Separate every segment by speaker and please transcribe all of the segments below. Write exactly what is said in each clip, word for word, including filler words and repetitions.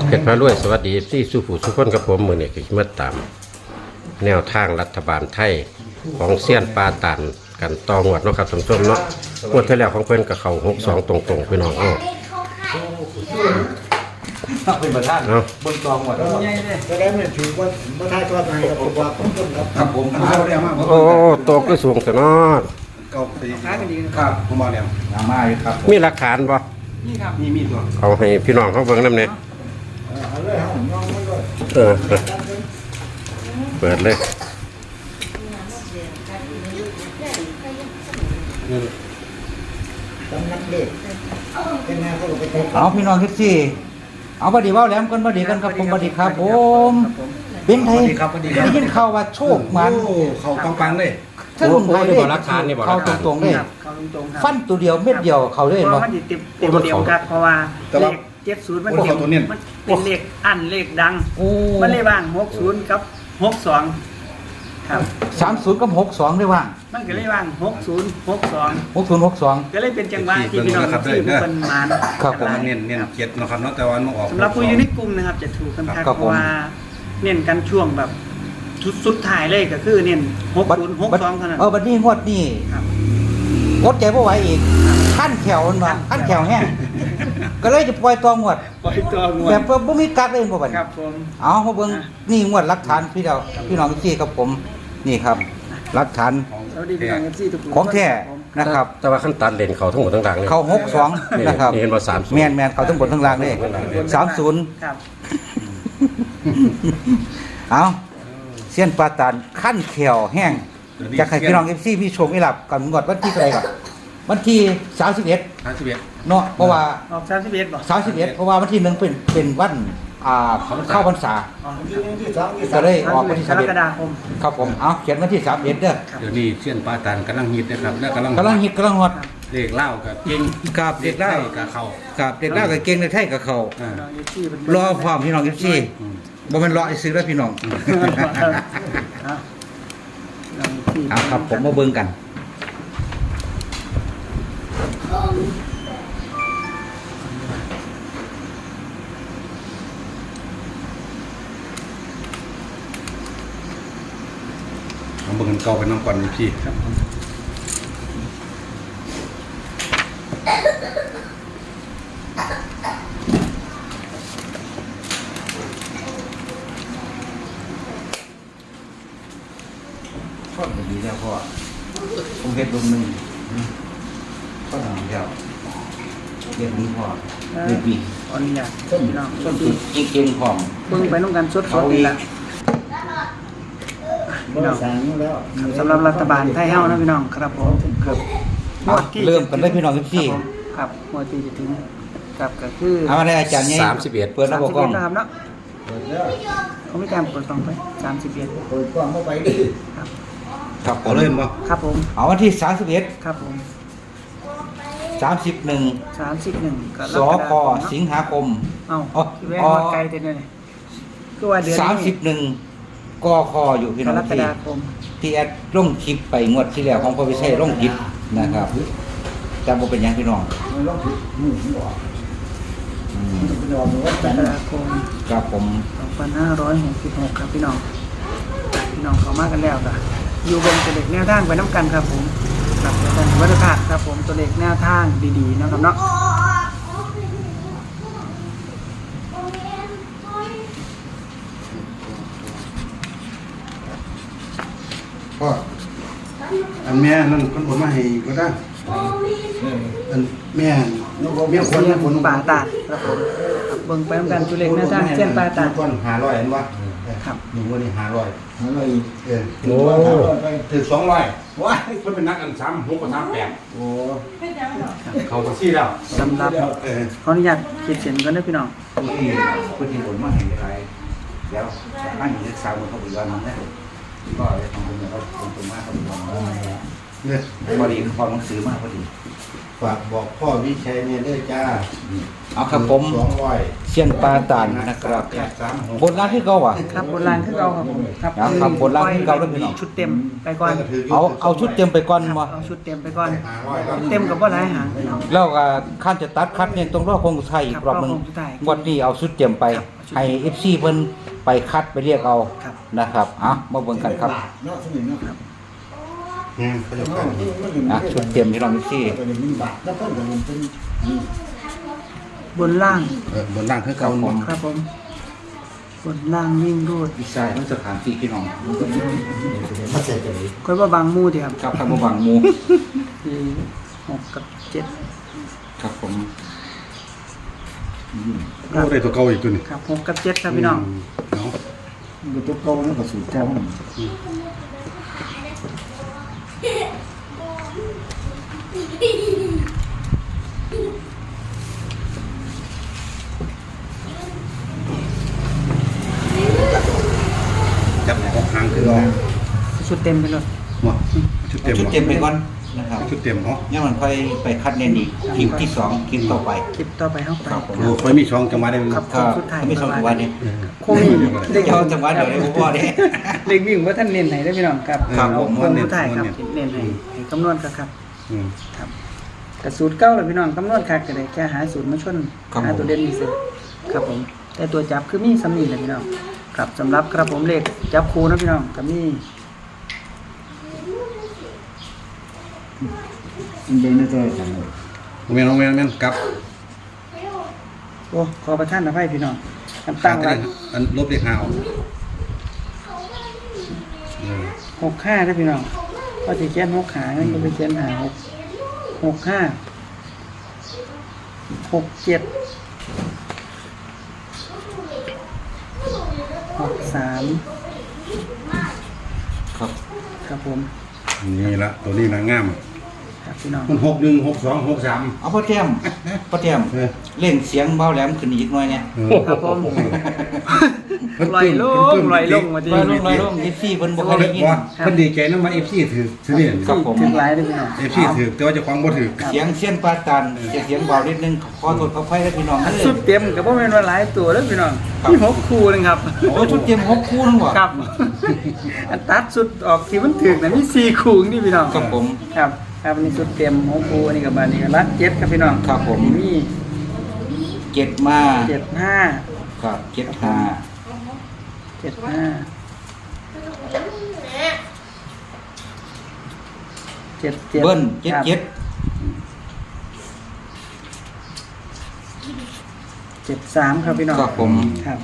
Speaker 1: เพชรพระรวยสวัสดีที่สุผู้สุขคนกับผมมือนี่คือมาตามแนวทางรัฐบาลไทยของเซียนปาตันกันตองวดเนาะครับท่านผู้ชมเนาะงวดที่แล้วของเพิ่นกับเขาหกสองตรงๆพี่น้องเอ้า
Speaker 2: เป็นประธานบนกองหมดแล้วจะได้ไม่ถือว่าประธานตัวไหนกับผมว่าผมต้องครับผมเขาเรียกมาก
Speaker 1: โอ้โตก็สูงแต่นอด
Speaker 2: เก่าปีครับผมบอกแล้วน้ำมาครับ
Speaker 1: มีหลักฐานบ่
Speaker 2: นี่ครับมีมีตัว
Speaker 1: เอาให้พี่น้องเขาเบิ่งนำเนี่ยเออเปิดเลย
Speaker 3: เอาพี่น้องคิดสิเอาบัดดีว่าแหลมกันบัดดีกันครับผมบัดดีครับผมเป็นไทยได้ยินข่าวว่าโชคมัน
Speaker 2: เขาปังปังเลย
Speaker 3: ถ้าลุงไทยได้เข้าตรงๆเลยฟันตัวเดียวเม็ดเดียวเขาเลย
Speaker 4: เพ
Speaker 3: บ่
Speaker 4: ราะมันติดเต็มเต็มเดียวครับเพราะว่าเลขเจ็ดศูนย์มันเต็มมันเป็นเลขอันเลขดัง
Speaker 3: โอ้
Speaker 4: มันเลยว่างหกศูนย์กับหกสองครับ
Speaker 3: สามศูนย์กับหกสองได้ว่าง
Speaker 4: มันก็เลยว่างหกศูนย์หกสอง
Speaker 3: หกศูนย์หกสอง
Speaker 4: ก็เลยเป็นจังหวะที่พี่น้องที่ผู้คนมา
Speaker 3: ครับผม
Speaker 2: เน้นเน้นเจ็ดนะครับเนาะแต่วันมาออก
Speaker 4: สำหรับผู้อยู่ในกลุ่มนะครับจะถูกกันครับเพราะว่าเน้นกันช่วงแบบสุดสุดท้ายเลยก็คือเน้นหกศูนย์หกสองเท่านั้น
Speaker 3: เออบัดนี้งวดนี้
Speaker 4: ครับ
Speaker 3: อดใจบ่ไหวอีกขั้นแขวมันว่าขั้นแขวแห้งก็เลยจะปล่อยตัวงวด
Speaker 4: ปล่อยตัวงว
Speaker 3: แบ
Speaker 4: ด
Speaker 3: บบ่มีกักเลยบ่บัด
Speaker 4: ครับผม
Speaker 3: เอามาเบิ่งนี่งวดหลักฐานพี่เราพี่น้องที่ครับผมนี่ครับหลักฐาน
Speaker 4: สวัสดีพี่น้องเอฟซีทุกคน
Speaker 3: ของแท้นะครับ
Speaker 1: แต่ว่าขั้นตัดเลนเขาทั้งหมดทั้งหลังเลย
Speaker 3: เขาหกสองนะครับ
Speaker 1: นี่เห็นว่าสามสิบ
Speaker 3: แมนแมนเขาทั้งบนทั้งล่างเลยสามศูนย์
Speaker 4: ครับ
Speaker 3: เอาเสี้ยนปลาตานขั้นเขียวแห้งจะให้พี่น้องเอฟซีพี่ชมอีหลับกันงวดวันที่เท่าไหร่ก่อนวันที่สามสิบเอ็ด
Speaker 2: ห้าสิบเอ็ด
Speaker 3: เนาะเพราะว่า
Speaker 4: ออกสามสิบเอ็ดบอก
Speaker 3: สามสิบเอ็ดเพราะว่าวันที่หนึ่งเป็นเป็นวันอ่าเข้าพรรษา
Speaker 4: อ๋อ
Speaker 3: จะได้ออก
Speaker 4: สาม
Speaker 3: วัน
Speaker 4: สิบ
Speaker 3: ที่
Speaker 4: เอ็ด
Speaker 3: สาม
Speaker 4: กร
Speaker 3: เอ็ด
Speaker 4: กฎาคม
Speaker 3: ครับผมเอาเขียนวันที่สามเอ็ดเด้อ
Speaker 2: เดี๋ยวนี้เส้นปลาตันกำลังฮิตนะครับและกำลัง
Speaker 3: กำลังฮิตกำลังฮอต
Speaker 2: เด็กเล่ากับเก่ง
Speaker 3: กับเด็กเล่า
Speaker 2: กับเขา
Speaker 3: กับเด็กเล่ากับเก่งในไทยกับเขา
Speaker 2: อ่า
Speaker 4: น้องเอฟซีเป็น
Speaker 3: รอพร้อมพี่น้องเอฟซีบ่แม่นรอไอ้ซื้อแล้วพี่น้อง
Speaker 4: เอาน้อง FC
Speaker 3: เอาครับผมมาเบิ่งกัน
Speaker 2: เอาเบิ่งกันเก่าไปน้องก่อนพี่ครับ
Speaker 3: พ่อดีแล้วพ่อผมเฮ็ดลงหนึงพ่อดีแล้วเรียกนี้พ่อเรียกดี
Speaker 4: ขออนุญาต
Speaker 3: ต้น
Speaker 4: พี่น้อง
Speaker 3: ต้นตุดเก่งๆพร้อม
Speaker 4: เบิ่งไปน้องกันสดๆนี่ละพี่น้องสำหรับรัฐบาลไทยเฮานะพี่น้องครับผมครับ
Speaker 3: เอาเริ่มกันได้พี่น้องเอฟซี
Speaker 4: ครับงวดที่จะถึงครับก็คือ
Speaker 3: เอามาได้อาจารย์ใหญ่
Speaker 1: สามสิบเอ็ด
Speaker 3: เปิดระบบกล้อง
Speaker 4: สามสิบเอ็ดนะครับเนาะเขาไม่การเปิดกล้องไปสามสิบเอ็ด
Speaker 2: เปิดกล้องเข้าไปดิ
Speaker 4: ครับ
Speaker 3: ครับผ
Speaker 2: เอา
Speaker 3: ม
Speaker 2: เล่นบ่
Speaker 4: ครับผม
Speaker 3: เอาวันที่สามสิบเอ็ด
Speaker 4: ครับผม
Speaker 3: สามสิบเอ็ด
Speaker 4: สามสิบเอ็ดกร
Speaker 3: ส
Speaker 4: ก
Speaker 3: ค
Speaker 4: ฎาคม
Speaker 3: สิงหาคม
Speaker 4: เอ้า
Speaker 3: อ๋อ
Speaker 4: แว่ว่าไกลแต่เนี่ยคือว่าเดือน
Speaker 3: สามสิ
Speaker 4: นี้
Speaker 3: บเอ็ดกคอยู่พี่
Speaker 4: ก
Speaker 3: น้อง
Speaker 4: รก
Speaker 3: ที่
Speaker 4: ฎาคม
Speaker 3: ที่แอดลงคลิปไปงวดที่แล้วของพ่อวิเศษลงคลิปนะครับจำบ่เป็นหยังพี่น้องอืม
Speaker 4: กรกฎาคม
Speaker 3: ครับผม
Speaker 4: สองพันห้าร้อยหกสิบหกครับพี่น้องพี่น้องเขามากันแล้วค่ะอยู่บนตัวเลขแนวทางไปน้ำกันครับผมครับอาจารย์วัฒนศาสตร์ครับผมตัวเลขแนวทางดีๆนะครับเนาะ
Speaker 2: พ่ออันแม่นั่นคนผลมาให้ก็ได้อันแม่แม่คน
Speaker 4: เสี
Speaker 2: แม่
Speaker 4: ยง
Speaker 2: คน
Speaker 4: ป่าตาดครับผมครับเบิ่งไปน้ำกันตัวเลขแนวทางเส้นป่าตาด
Speaker 2: คนหาร้อยเห็นปะ
Speaker 4: ครับ
Speaker 2: หนึ่งวันนี้หาร้อย
Speaker 5: หาอะไร
Speaker 2: เออ
Speaker 1: โอ้
Speaker 2: ถึงสองร้อยว้ายคนเป็นนักอันซ้ำหกกับซ้ำแปด
Speaker 5: โอ้
Speaker 2: เขาก็ซี่แล้ว
Speaker 4: สำหรับ
Speaker 2: เออ
Speaker 4: ขออนุญาตขีดเส้นก่อนนะพี่น้อง
Speaker 3: ผู้ที่ผู้ที่ผลมาเห็นใครแล้วนั่งอยู่ที่สาวเขาบอกว่ามันได้ก็เลยทำเป็นแบบว่าตรงมาเขาบอกว่า
Speaker 2: เนี่ย
Speaker 3: พอดีพอหนังสือมาพอดี
Speaker 2: ฝากบอกพ่อวิชัยเนี่ยด้วยจ้า
Speaker 3: เอาครับผม
Speaker 2: สองร้อย
Speaker 3: เซียนปลาตานนะครับ
Speaker 2: แปดสามหก
Speaker 3: บนร้านที่เก่าอ่ะ
Speaker 4: ครับโบราณคือเราครับผมครับ
Speaker 3: ครับครับโบราณคือเก่าเด้อพี่น้อง
Speaker 4: ชุดเต็มไปก่อน
Speaker 3: เอาเอาชุดเต็มไปก่อน
Speaker 4: ครับ
Speaker 3: บ่
Speaker 4: เอาชุดเต็มไปก่อน
Speaker 2: ห้าร้อยครับ
Speaker 4: เต็มกับว่าหลายหางพี่น้อง
Speaker 3: แล้วก็ขั้นจะตัดคัดเนี่ยต้องรอคงสุดท้ายอีกรอบหนึง
Speaker 4: ครับรอคงสุดท้าย
Speaker 3: งวดนี้เอาชุดเต็มไป
Speaker 4: ครับชุด
Speaker 3: ให้ เอฟ ซี เพิ่นไปคัดไปเรียกเอา
Speaker 4: ครับ
Speaker 3: นะครับอ่ะมาเบิ่งกันครับ
Speaker 2: อืมเขาจะกัน
Speaker 3: อ่ะชุดเต็มที่เรา เอฟ ซี
Speaker 4: บนล่าง
Speaker 2: เออบนล่างคือเก่า
Speaker 3: ครับผม
Speaker 4: ครับผมบนล่างวิ่งรูด
Speaker 3: อีกสายมันสถานที่พี่น้อง
Speaker 4: ค่อยว่าบางหมู่ที่ครับ
Speaker 3: ครับทางบ่บังหมู่
Speaker 4: ที่หกกับเจ็ด
Speaker 3: ครับผม
Speaker 2: โอ้ได้ตัวเก่าอีกตัวนี่
Speaker 4: ครับหกกับเจ็ดครับพี่น้อง
Speaker 2: เนาะ
Speaker 3: มันตัวเก่ามันก็สูตรเก่า
Speaker 2: จับหกหางคือเอา
Speaker 4: ชุดเต็มไปเลย
Speaker 2: หมดชุดเต็ม
Speaker 3: ชุดเต็มไปก่อนนะครับ
Speaker 2: ชุดเต็มเนาะ
Speaker 3: เนี่ยมันค่อยไปคัดเน้นอีกคลิปที่สองคลิปต่อไป
Speaker 4: คลิปต่อไปเข้าไป
Speaker 3: ครับผม
Speaker 2: โอ้ค่อยมีช่องจังหวะได้
Speaker 4: ครับ
Speaker 3: ก็
Speaker 4: สุดท้าย
Speaker 3: ไม่สองจังหวัดเนี่ย
Speaker 4: โคมีเด็ก
Speaker 3: เจ้าจังหวัดเดี๋ยวได้พ่อเนี่ย
Speaker 4: เล็กวิ่งว่าท่านเน้นไหนได้พี่น้องครับ
Speaker 3: ครับผม
Speaker 4: คนผู้ถ่ายครับเน้นไหนให้คำนวณครับครับ
Speaker 2: อืม
Speaker 4: ครับแต่สูตรเก้าเลยพี่น้องคำนวณคักก็ได้แค่หาสูตรมาชนหาตัวเด่นนี่สิครับผมแต่ตัวจับคือมีสำนีเลยพี่น้องครับสำหรับครับผมเลขจับคูนะพี่น้องกับมี
Speaker 3: เดินได้ตัวจัง
Speaker 2: โรงเรียนโรงเรียนแม่นกลับ
Speaker 4: โอ้ขอประทานอภัยพี่น้องกัน
Speaker 2: ตั้
Speaker 4: ตั้
Speaker 2: ง
Speaker 4: ง
Speaker 2: ไว้
Speaker 4: ไว้
Speaker 2: อันลบเลขห้าออกอืม
Speaker 4: หกห้าได้พี่น้องก็จะเขียนหกขางั้นก็ไปเขียนหาหกหกห้าหกเจ็ดหกสาม
Speaker 3: ครับ
Speaker 4: ครับผม
Speaker 2: นี่ละตัวนี้นะงาม
Speaker 4: ครับพี่น้อง
Speaker 2: มันหกหนึ่งหกสองหกสาม
Speaker 3: เอาพ่อแต้มพ่อแต้ม
Speaker 2: เออ
Speaker 3: เล่นเสียงเบาแหลมขึ้นอีกหน่อยเนี่ย
Speaker 2: เออ
Speaker 4: ครับผม
Speaker 2: เพิ่น
Speaker 4: ลอยลงลอยลงมาที
Speaker 3: ลอยลงลอยลง เอฟ ซี เพิ่นบ่ค่อยได้ยิน
Speaker 2: ว่าเพิ่นดีใจนำมา เอฟ ซี ถือถือนี่
Speaker 3: ครับผม
Speaker 4: ถึงหลายเลยพี่น้อง
Speaker 2: เอฟซีถือแต่ว่าเจ้าของบ่ถือ
Speaker 3: เสียงเสียนปลาตันเสียงเสียงเบานิดนึงขอโทษขออภัยนะพี่น้อง
Speaker 4: อัน
Speaker 3: เอ้ย
Speaker 4: สุดเต็มกับว่าเป็นว่าหลายตัวแล้วพี่น้อง
Speaker 3: ครับ
Speaker 4: มีหกคู่นึงครับ
Speaker 3: โอ้ชุดเตรียมหกคู่นึงบ่
Speaker 4: ครับ อันตัดสุดออกที่มันถึกนะมีสี่คู่นี่พี่น้อง
Speaker 3: ครับผม
Speaker 4: ครับครับอันนี้สุดเต็มหกคู่อันนี้กับบานนี้ก็รัดเจ็ดครับพี่น้อง
Speaker 3: ครับผม
Speaker 4: มี
Speaker 3: เจ็ดมา
Speaker 4: เจ็ดห้า
Speaker 3: ครับเจ็ดห้า
Speaker 4: เจ็ดห้าเจ็ดเจ็ด
Speaker 3: เบิ้ลเจ็ด
Speaker 4: ครับ
Speaker 3: เจ็ด
Speaker 4: เจ็ดสามครับพี่น้อง
Speaker 3: ครับผม
Speaker 4: ครับ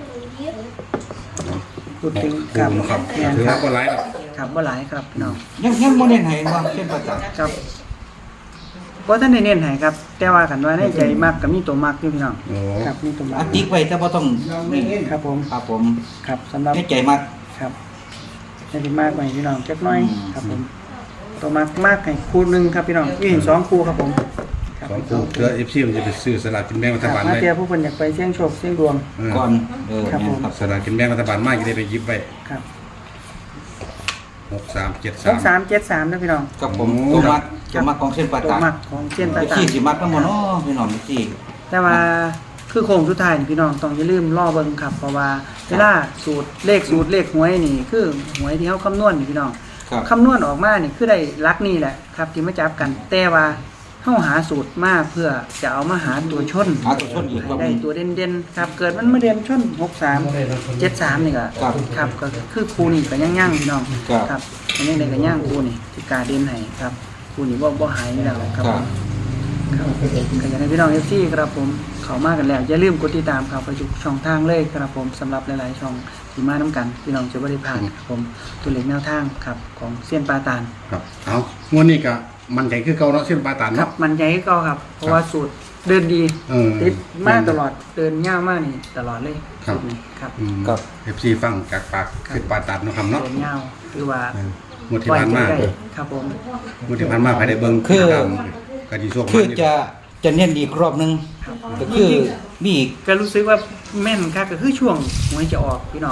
Speaker 4: พูดถึง
Speaker 2: ค
Speaker 4: ค
Speaker 2: รั
Speaker 4: รั
Speaker 2: บบ ครับ
Speaker 4: แม่น
Speaker 2: ถือ
Speaker 4: ค
Speaker 2: ว่า
Speaker 4: รับ
Speaker 2: บ่หลายดอก
Speaker 4: ครับว่าหลายครับพี่น้อง
Speaker 3: ยังยังบ่เน้นให้ว่าเส้นปลาตัน
Speaker 4: ครับเพราะท่านได้เน้นให้ครับ แต่ว่ากันว่าในใจมากกับมีตัวมากอยู่พี่น้อง
Speaker 2: โอ้
Speaker 4: ครับมีตัวมาก
Speaker 3: อาติ๊กไว้แต่บ่ต้องนี่
Speaker 4: ครับผม
Speaker 3: ครับผม
Speaker 4: ครับสำหรับ
Speaker 3: ให้ใจมาก
Speaker 4: ครับให้ที่มากไปพี่น้องจักหน้อย
Speaker 3: อืม
Speaker 4: ครับผมตัวมากมากให้คู่หนึ่งครับพี่น้องพี่เห็นสองคู่ครับผมครับ
Speaker 2: สองคู่เพื่อ เอฟ ซี มันจะไปซื้อสลากกินแบ่งรั
Speaker 4: ค
Speaker 2: ฐ
Speaker 4: รับ
Speaker 2: บาล
Speaker 4: มา
Speaker 2: ได้
Speaker 4: เจอผู้คนอยากไปเสี่ยงโชคเสี่ยงดวง
Speaker 2: เออ
Speaker 3: ก่อนเออ
Speaker 4: ครับ
Speaker 3: แม่
Speaker 4: ผ
Speaker 3: น
Speaker 4: ม
Speaker 3: ครับ
Speaker 2: สลากกินแบ่งรัฐบาลมากจะได้ไปหยิบไว้
Speaker 4: ครับ
Speaker 2: หกสามเจ็ด
Speaker 4: ห
Speaker 2: สาม
Speaker 4: กสามเจ็ดสามนะพี่น้อง
Speaker 3: ครับผม
Speaker 2: โอ้
Speaker 3: ตัวมักตัวมักของเส้นปลา
Speaker 4: ตัว
Speaker 3: ตัน
Speaker 4: มักของเส้นปลา
Speaker 3: เอฟ
Speaker 4: ตา
Speaker 3: ซี
Speaker 4: น
Speaker 3: สิมักนำบ่เนาะพี่น้องเอฟซี
Speaker 4: แต่ว่าคือโค้งสุดท้ายนี่พี่น้องต้องอย่าลืมล่อเบิ่งครับเพราะว่าเวลาสูตรเลขสูตรเลขหวยนี่ คือหวยที่เขาคำนวณนี่พี่น้อง
Speaker 3: ครับ
Speaker 4: คำนวณออกมานี่คือได้ลักนี่แหละครับที่มาจับกัน แต่ว่าเฮาหาสูตรมาเพื่อจะเอามาหาตัวชน
Speaker 3: หาตัวชนอีกรอบห
Speaker 4: ได้
Speaker 3: นึง
Speaker 4: ตัวเด่นๆครับ เกิดมันมาเด่นชนหกสามเจ็ดสามนี่ก็
Speaker 3: ครับ
Speaker 4: ครับก็คือครูนี่ก็ย่างๆพี่น้อง
Speaker 3: ครับ
Speaker 4: ครับอันนี้ได้ก็ย่างครูนี่ที่กาเด่นให้ครับครูนี่บ่บ่หายนี่แหละครับ
Speaker 3: ครับ
Speaker 4: ครับก็อยากให้พี่น้อง เอฟ ซี ครับผมเข้ามากันแล้วอย่าลืมกดติดตามครับไปทุกช่องทางเลยครับผมสำหรับหลายๆช่องที่มานํกันพี่น้องจะบ่ได้พลาดครับผมตัวเลขแนวทางครับของเซียนปลาตาล
Speaker 2: ครับเอางวดนี้ก็มันใจคือเก่าเนาะเส้นปลาตาน
Speaker 4: ครับ
Speaker 2: เนาะ
Speaker 4: มันใหญ่ก็ครับ เพราะว่าสูตรเดินดี
Speaker 2: เออ
Speaker 4: ติดมากตลอดเดินยาวมากนี่ตลอดเลย
Speaker 2: ครับ
Speaker 4: สูตรนี้ครับ
Speaker 2: อืม
Speaker 3: ครับ
Speaker 2: เอฟซีฟังจากปากเส้นปลาตานเนาะครับเนาะ
Speaker 4: เดินยาวคือว่า
Speaker 2: เออ งวดที่ผ่านมา
Speaker 4: ปล่อยใจได้ครับผม
Speaker 2: งวดที่ผ่านมาภายในเบิ่ง
Speaker 3: คือ
Speaker 2: ตามกะดีโชค
Speaker 3: คือ
Speaker 2: มันยู่
Speaker 3: จะจะเน้นอีกรอบหนึง
Speaker 4: ครับ
Speaker 3: ก็คือมีอีก
Speaker 4: ก็รู้สึกว่าแม่นครับก็คือช่วงหวยจะออกพี่น้อง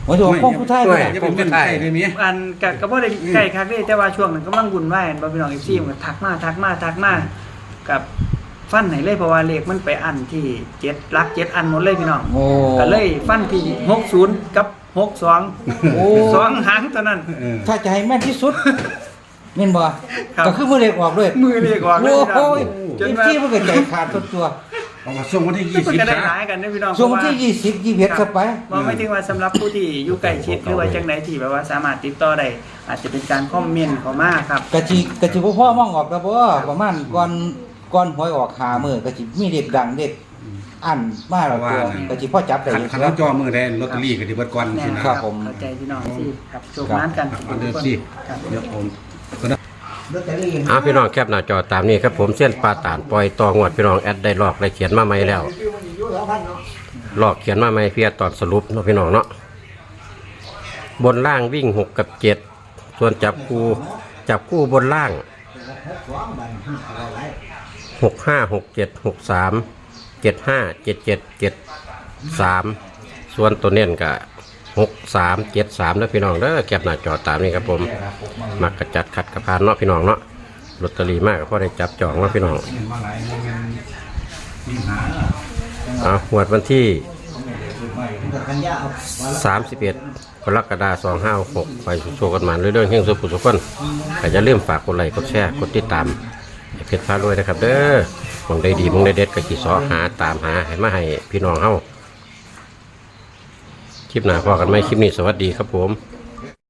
Speaker 3: โอ้ยพ่อผู้ไทย
Speaker 1: ด้
Speaker 3: ด้
Speaker 1: ว
Speaker 3: วย ย
Speaker 2: อย่าเป็นเงินไทยได้มี
Speaker 4: อันกะก็บ่ได้ใกล้คักเด้แต่ว่าช่วงนั้นกำลังวุ่นวายอันบ่พี่น้อง เอฟ ซี มันก็ทักมาทักมาทักมากับฟันให้เลยเพราะว่าเลขมันไปอันที่เจ็ดหลักเจ็ดอันหมดเลยพี่น้อง
Speaker 3: โอ้
Speaker 4: ก็เลยฟันที่หกสิบกับหกสิบสอง
Speaker 3: โอ้
Speaker 4: สองหางเท่านั้น
Speaker 2: เออ
Speaker 3: ถ้าจะให้แม่นที่สุดแม่นบ่
Speaker 4: ครับ
Speaker 3: ก็คือมือเล็กออกด้วย
Speaker 4: มือเลขออกเลย
Speaker 3: โอ้ย
Speaker 4: จน
Speaker 3: เอ็ม
Speaker 4: ว่า
Speaker 3: ซีมันก็ใจขาดตัวตัว
Speaker 2: เอามาส่งวันที่ยี่
Speaker 4: มัน
Speaker 2: สิบ
Speaker 4: ก็ได้
Speaker 2: นะ
Speaker 4: หลายกันนะพี่น้อง
Speaker 3: ส่งวันที่ยี่สิบยี่สิบเอ็ดเข้าไป
Speaker 4: บ่ไม่ถึงว่าสำหรับผู้ที่อยู่ใกล้ชิดหรือว่าจังไดที่แบบว่าสามารถติดต่อได้อาจจะเป็นการคอมเมนต์เข้ามาครับ
Speaker 3: กะจิกะจิบ่พ่อมองออกแล้วบ่ประมาณก่อนก่อนหวยออกหามื้อกะจิมีเด็กดังเด็กอันมาแล้วตัวกะจิพ่อจับได้
Speaker 2: ขัน
Speaker 3: อยู่
Speaker 2: ขันเราจอมือแดนลอตเตอรี่กับที่เบิดก่อน
Speaker 4: แน่
Speaker 2: สิ
Speaker 4: นะ
Speaker 2: นะ
Speaker 4: ค
Speaker 3: ครั
Speaker 4: รับบ
Speaker 3: ผม
Speaker 4: เข้าใจพี่น้องสิครับโชคนั้นกัน
Speaker 2: อันเดิมสิ
Speaker 4: ครับ
Speaker 2: เดี๋ยวผม
Speaker 1: อ่าพี่น้องแคปหน้าจอตามนี้ครับผมเส้นปลาตานปล่อยตองวดพี่น้องแอดได้ลอกได้เขียนมาใหม่แล้วลอกเขียนมาใหม่เพียตอนสรุปเนาะพี่น้องเนาะบนล่างวิ่งหกกับเจ็ดส่วนจับคู่จับคู่บนล่างหกห้าหกเจ็ดหกสามเจ็ดห้าเจ็ดเจ็ดเจ็ดสามส่วนตัวเน้นกับหกสามเจ็ดสามแล้วพี่น้องเด้อแคปหน้าจอตามนี้ครับผมมักกระจัดขัดกระพานเนาะพี่น้องเนาะลอตเตอรี่มากก็พอได้จับจองเนาะพี่น้องอ่าหวดวันที่สามสิบเอ็ดกรกฎาคมสองห้าหกไปโชว์กันมาเรื่องเฮงสุขุสุขคนก็จะเริ่าลืมฝากกดไลค์กดแชร์กดติดตามให้เพจพารวยนะครับเด้อมองได้ดีมองได้เด็ดก็จีสอหาตามหาให้มาให้พี่น้องเฮาคลิปหน้าพอกันไหมคลิปนี้สวัสดีครับผม